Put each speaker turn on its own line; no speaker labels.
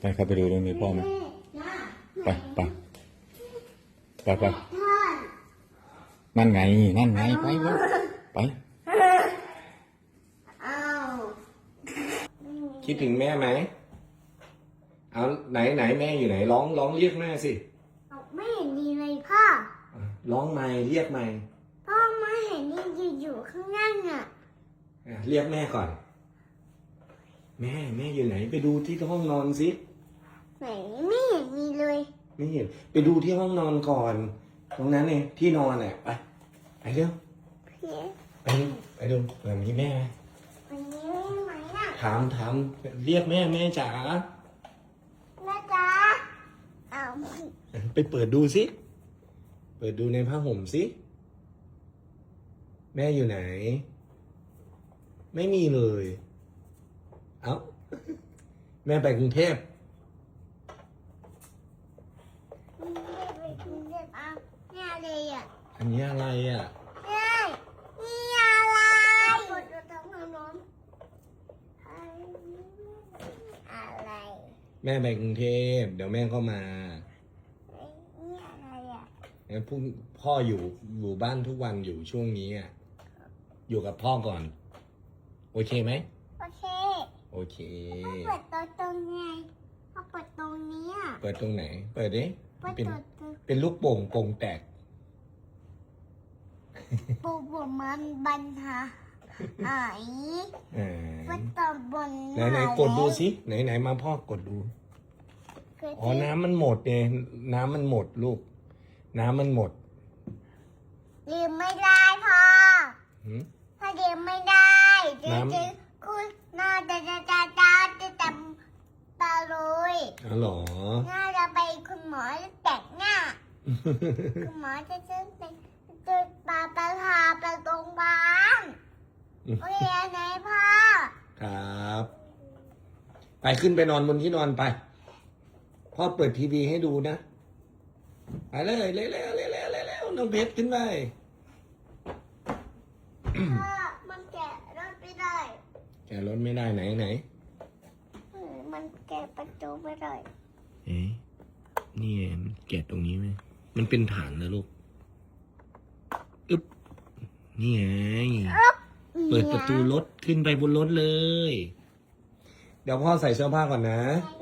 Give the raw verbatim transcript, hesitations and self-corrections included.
ไปเข้าไปดูตรงนี้พ่อไหมไปไปไปไปนั่นไงนั่นไงไปเลยไปคิดถึงแม่ไหมเอาไหนไหนแม่อยู่ไหนร้องร้องเรียกแม่สิ
ไม่เห็นดีเลยพ่อ
ร้องไม่เรียกไม่
พ่อไม่เห็นดีอยู่ข้างนั่งอ่ะ
เรียกแม่ก่อนแม่แม่อยู่ไหนไปดูที่ห้องนอนสิ
ไหนไม่เห็นมีเลย
ไม่เห็นไปดูที่ห้องนอนก่อนตรงนั้นเองที่นอนแหละไปไปเร็วไปไปดูแบบนี้แม่
วันนี้ไหมอ่ะ
ถามถามเรียกแม่แม่จ๋า
แม่จ๋าเอา
ไปเปิดดูสิเปิดดูในผ้าห่มสิแม่อยู่ไหนไม่มีเลยเอ้าแม่ไปกรุงเทพ
ไปกรุงเทพอ่ะนี่อะไรอ่ะ
อันนี้อะไรอ่ะ
นี่นี่อะไรกดตัวท้องน้องอะไร
แม่ไปกรุงเทพเดี๋ยวแม่ก็มา
นี่อะไรอ่ะ
แล้วพรุ่งพ่ออยู่อยู่บ้านทุกวันอยู่ช่วงนี้อ่ะอยู่กับพ่อก่อนโอเคไหม
โอเค
โอเค
เปิดตัวตรงไงเขาเปิดตรงนี้อ่ะ
เปิดตรงไหนเปิดดิเป็น
ตัว
เป็นลูกโป่งโป่งแตก
ปูบมันบันทาไอ้วัดตบน
ไหนไหนกดดูสิไหนไหนมาพ่อกดดูอ๋อน้ำมันหมดเนี่ยน้ำมันหมดลูกน้ำมันหมด
ดื่มไม่ได้พ่อถ้าดื่มไม่ได้จะจะคุณน่าจะจะจะจะจะจำตาเลย
อ๋อเหรอ
น่าจะไปคุณหมอแต่งหน้าคุณหมอจะจะไปจะปาไปพาไปโรงพยาบาลโอเคไหนพ่อ
ครับไปขึ้นไปนอนบนที่นอนไปพ่อเปิดทีวีให้ดูนะไปเลยเร็วเร็วเร็วเร็วเร็วน้องเพชรขึ้นไป
พ่อมันแกะรถไม่ได้
แกะรถไม่ได้ไหนไหน
มันแกะประตูไม่ได้
เอ๊ะนี่มันแกะตรงนี้ไหมมันเป็นฐานนะลูกอึ๊บนี่ไงเปิดประตูรถขึ้นไปบนรถเลยเดี๋ยวพ่อใส่เสื้อผ้าก่อนนะ
ใ